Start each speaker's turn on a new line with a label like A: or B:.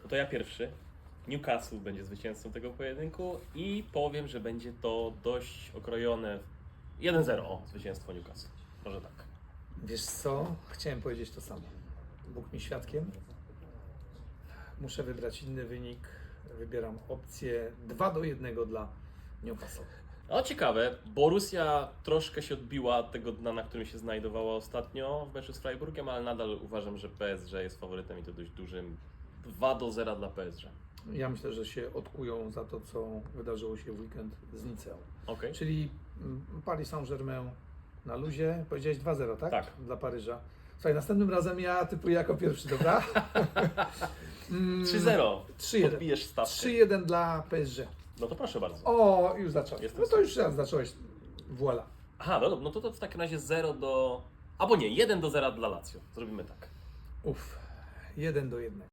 A: To ja pierwszy. Newcastle będzie zwycięzcą tego pojedynku i powiem, że będzie to dość okrojone. 1-0, o, zwycięstwo Newcastle. Może tak.
B: Wiesz co? Chciałem powiedzieć to samo. Bóg mi świadkiem. Muszę wybrać inny wynik. Wybieram opcję 2-1 dla Newcastle.
A: No ciekawe, Borussia troszkę się odbiła od tego dna, na którym się znajdowała ostatnio w meczu z Freiburgiem, ale nadal uważam, że PSG jest faworytem i to dość dużym. 2-0 dla PSG.
B: Ja myślę, że się odkują za to, co wydarzyło się w weekend z Niceą.
A: Okej.
B: Czyli Paris Saint-Germain na luzie. Powiedziałeś 2-0, tak?
A: Tak.
B: Dla Paryża. Słuchaj, następnym razem ja typuję jako pierwszy, dobra?
A: 3-0.
B: 3-1.
A: Podbijesz stawkę.
B: 3-1 dla PSG.
A: No to proszę bardzo.
B: O, już zacząłeś.
A: Jestem
B: No to już raz zacząłeś. Voila.
A: Aha, no to w takim razie 0 do... Albo nie, 1-0 dla Lazio. Zrobimy tak.
B: 1-1.